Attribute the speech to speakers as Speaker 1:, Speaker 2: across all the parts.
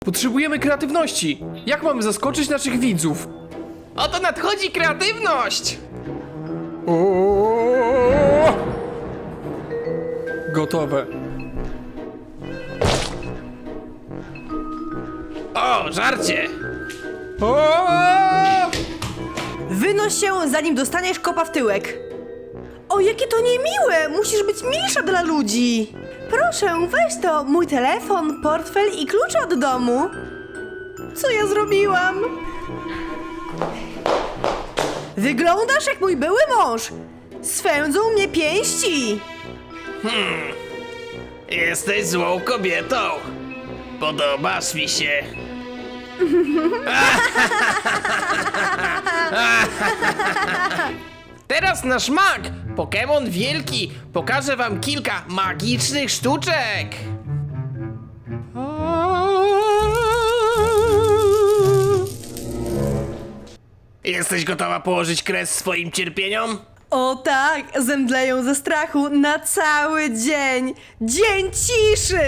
Speaker 1: Potrzebujemy kreatywności. Jak mamy zaskoczyć naszych widzów?
Speaker 2: Oto nadchodzi kreatywność!
Speaker 1: O! Gotowe.
Speaker 2: O, żarcie!
Speaker 1: O!
Speaker 3: Wynoś się, zanim dostaniesz kopa w tyłek. O, jakie to niemiłe! Musisz być milsza dla ludzi. Proszę, weź to, mój telefon, portfel i klucze od domu. Co ja zrobiłam? Wyglądasz jak mój były mąż. Swędzą mnie pięści.
Speaker 2: Jesteś złą kobietą! Podobasz mi się! Teraz nasz mag, Pokémon Wielki, pokaże wam kilka magicznych sztuczek! Jesteś gotowa położyć kres swoim cierpieniom?
Speaker 3: O tak, zemdleją ze strachu na cały dzień. Dzień ciszy!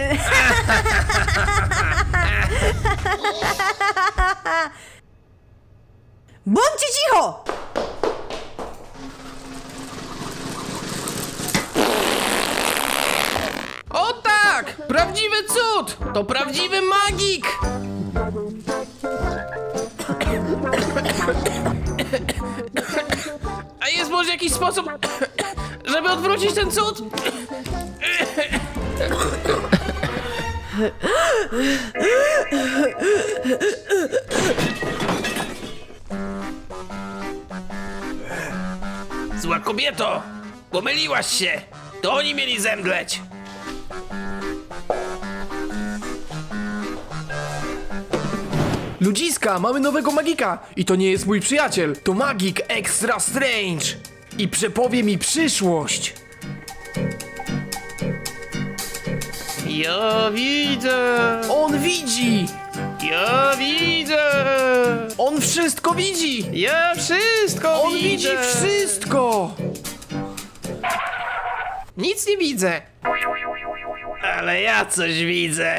Speaker 3: Bądźcie cicho!
Speaker 2: O tak! Prawdziwy cud! To prawdziwy magik! A jest może jakiś sposób, żeby odwrócić ten cud? Zła kobieto! Pomyliłaś się! To oni mieli zemdleć!
Speaker 1: Ludziska, mamy nowego magika. I to nie jest mój przyjaciel. To magik Extra Strange. I przepowie mi przyszłość.
Speaker 2: Ja widzę!
Speaker 1: On widzi.
Speaker 2: Ja widzę!
Speaker 1: On wszystko widzi.
Speaker 2: Ja wszystko
Speaker 1: On
Speaker 2: widzę!
Speaker 1: widzi wszystko.
Speaker 2: Nic nie widzę! Ale ja coś widzę!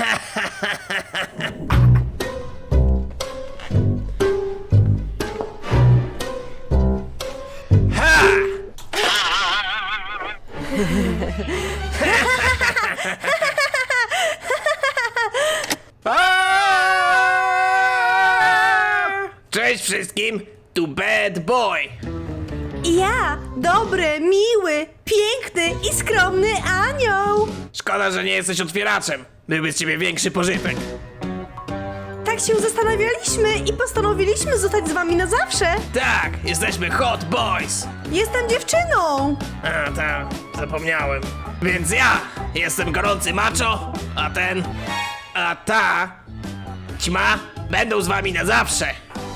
Speaker 2: Cześć wszystkim! Tu Bad Boy!
Speaker 3: Ja, dobry, miły, piękny i skromny anioł.
Speaker 2: Szkoda, że nie jesteś otwieraczem. Byłby z ciebie większy pożytek.
Speaker 3: Tak się zastanawialiśmy i postanowiliśmy zostać z wami na zawsze.
Speaker 2: Tak, jesteśmy Hot Boys!
Speaker 3: Jestem dziewczyną.
Speaker 2: A, tak, zapomniałem. Więc ja jestem gorący macho, a ta ćma będą z wami na zawsze.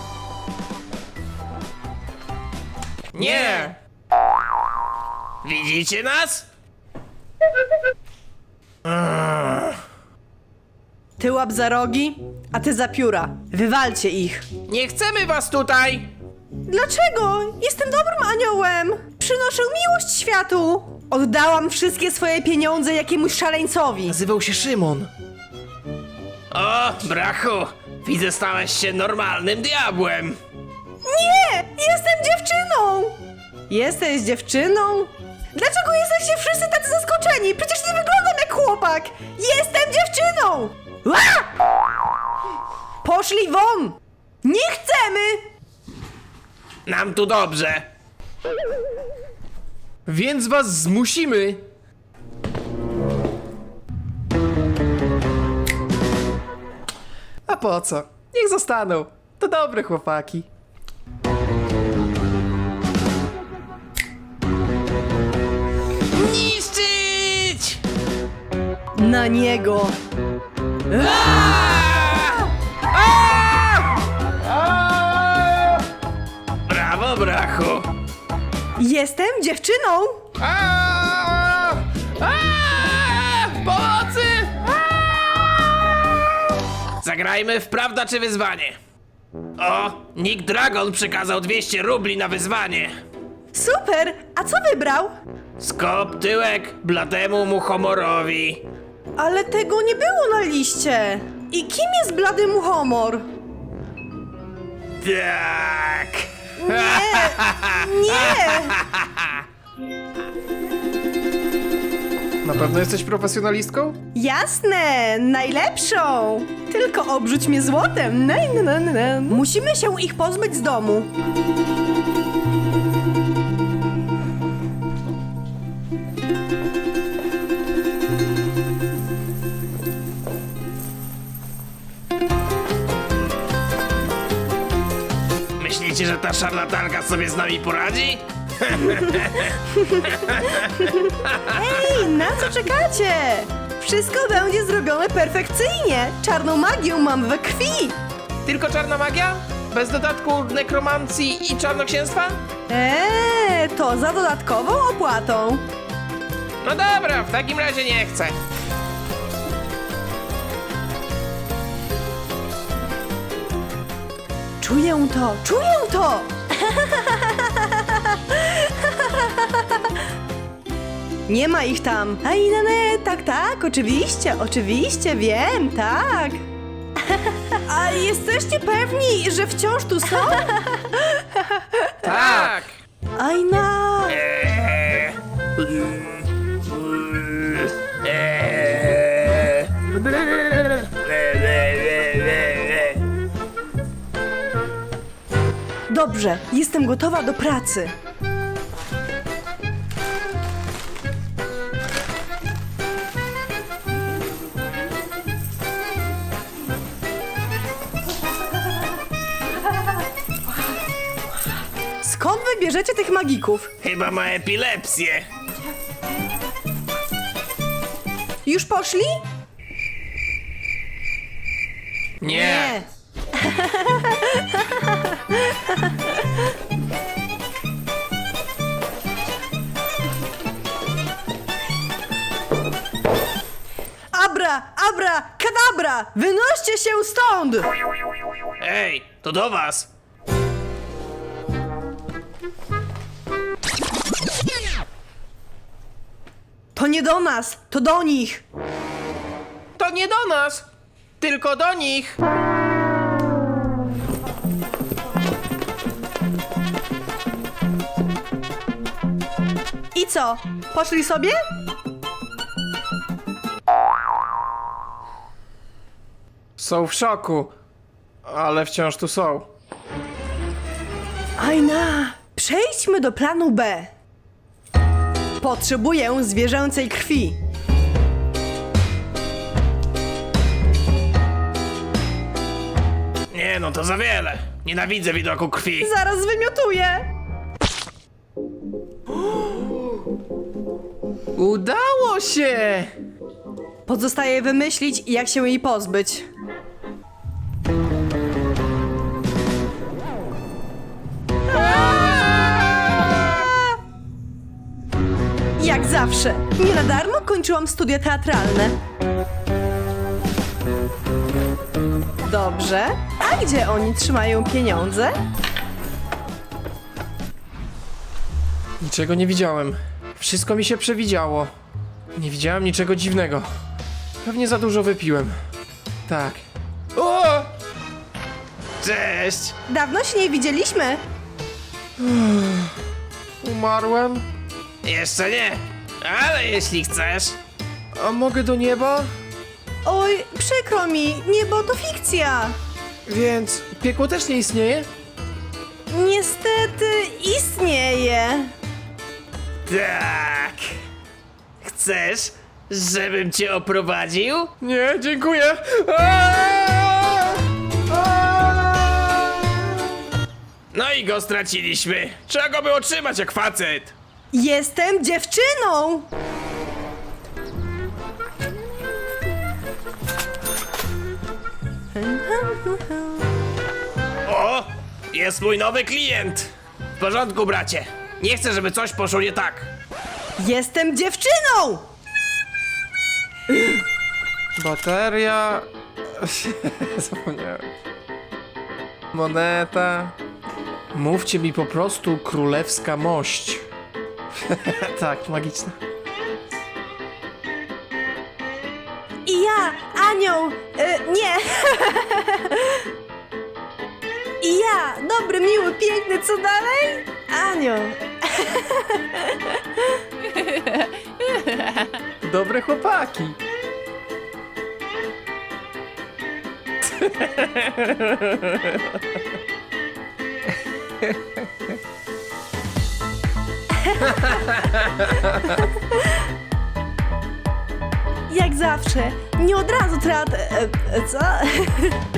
Speaker 2: Nie! Widzicie nas?
Speaker 3: Ty łap za rogi, a ty za pióra. Wywalcie ich.
Speaker 2: Nie chcemy was tutaj!
Speaker 3: Dlaczego? Jestem dobrym aniołem. Przynoszę miłość światu. Oddałam wszystkie swoje pieniądze jakiemuś szaleńcowi.
Speaker 1: Nazywał się Szymon.
Speaker 2: O, brachu! Widzę, stałeś się normalnym diabłem!
Speaker 3: Nie! Jestem dziewczyną! Jesteś dziewczyną? Dlaczego jesteście wszyscy tacy zaskoczeni? Przecież nie wyglądam jak chłopak! Jestem dziewczyną! Ła! Poszli won! Nie chcemy!
Speaker 2: Nam tu dobrze!
Speaker 1: Więc was zmusimy. A po co? Niech zostaną. To dobre chłopaki.
Speaker 2: Niszczyć!
Speaker 3: Na niego!
Speaker 2: Brawo, brachu!
Speaker 3: Jestem dziewczyną!
Speaker 2: Pomocy! Zagrajmy w prawda czy wyzwanie. O, Nick Dragon przekazał 200 rubli na wyzwanie.
Speaker 3: Super! A co wybrał?
Speaker 2: Skop tyłek blademu muchomorowi.
Speaker 3: Ale tego nie było na liście. I kim jest blady muchomor?
Speaker 2: Tak!
Speaker 3: Nie!
Speaker 1: Na pewno jesteś profesjonalistką?
Speaker 3: Jasne, najlepszą! Tylko obrzuć mnie złotem. Musimy się ich pozbyć z domu.
Speaker 2: Myślicie, że ta szarlatanka sobie z nami poradzi?
Speaker 3: Ej, na co czekacie? Wszystko będzie zrobione perfekcyjnie. Czarną magię mam we krwi.
Speaker 1: Tylko czarna magia? Bez dodatku nekromancji i czarnoksięstwa?
Speaker 3: To za dodatkową opłatą.
Speaker 1: No dobra, w takim razie nie chcę.
Speaker 3: Czuję to, czuję to! Nie ma ich tam. Aj, tak, oczywiście, wiem, tak. A jesteście pewni, że wciąż tu są?
Speaker 1: Tak!
Speaker 3: Ajna! Dobrze, jestem gotowa do pracy. Skąd wybierzecie tych magików?
Speaker 2: Chyba ma epilepsję.
Speaker 3: Już poszli?
Speaker 1: Nie! Abra, kadabra! Wynoście się stąd!
Speaker 2: Ej, to do was.
Speaker 3: To nie do nas, to do nich!
Speaker 1: To nie do nas, tylko do nich.
Speaker 3: I co? Poszli sobie?
Speaker 1: Są w szoku, ale wciąż tu są.
Speaker 3: Ajna! Przejdźmy do planu B. Potrzebuję zwierzęcej krwi.
Speaker 2: Nie no, to za wiele. Nienawidzę widoku krwi.
Speaker 3: Zaraz wymiotuję!
Speaker 1: Udało się!
Speaker 3: Pozostaje wymyślić, jak się jej pozbyć. Jak zawsze, nie na darmo kończyłam studia teatralne. Dobrze, a gdzie oni trzymają pieniądze?
Speaker 1: Niczego nie widziałem. Wszystko mi się przewidziało. Nie widziałem niczego dziwnego. Pewnie za dużo wypiłem. Tak. O!
Speaker 2: Cześć.
Speaker 3: Dawno się nie widzieliśmy.
Speaker 1: Umarłem?
Speaker 2: Jeszcze nie. Ale jeśli chcesz.
Speaker 1: A mogę do nieba?
Speaker 3: Oj, przykro mi, niebo to fikcja.
Speaker 1: Więc piekło też nie istnieje?
Speaker 3: Niestety istnieje.
Speaker 2: Tak. Chcesz, żebym cię oprowadził?
Speaker 1: Nie, dziękuję. Aaaa! Aaaa!
Speaker 2: No i go straciliśmy. Trzeba go było trzymać jak facet.
Speaker 3: Jestem dziewczyną!
Speaker 2: O, jest mój nowy klient. W porządku, bracie. Nie chcę, żeby coś poszło nie tak.
Speaker 3: Jestem dziewczyną!
Speaker 1: Bateria... Zapomniałem. Moneta... Mówcie mi po prostu królewska mość. Tak, magiczna.
Speaker 3: I ja, Anioł! Nie! I ja! Dobry, miły, piękny, co dalej? Anioł!
Speaker 1: Dobre chłopaki.
Speaker 3: Jak zawsze, nie od razu co?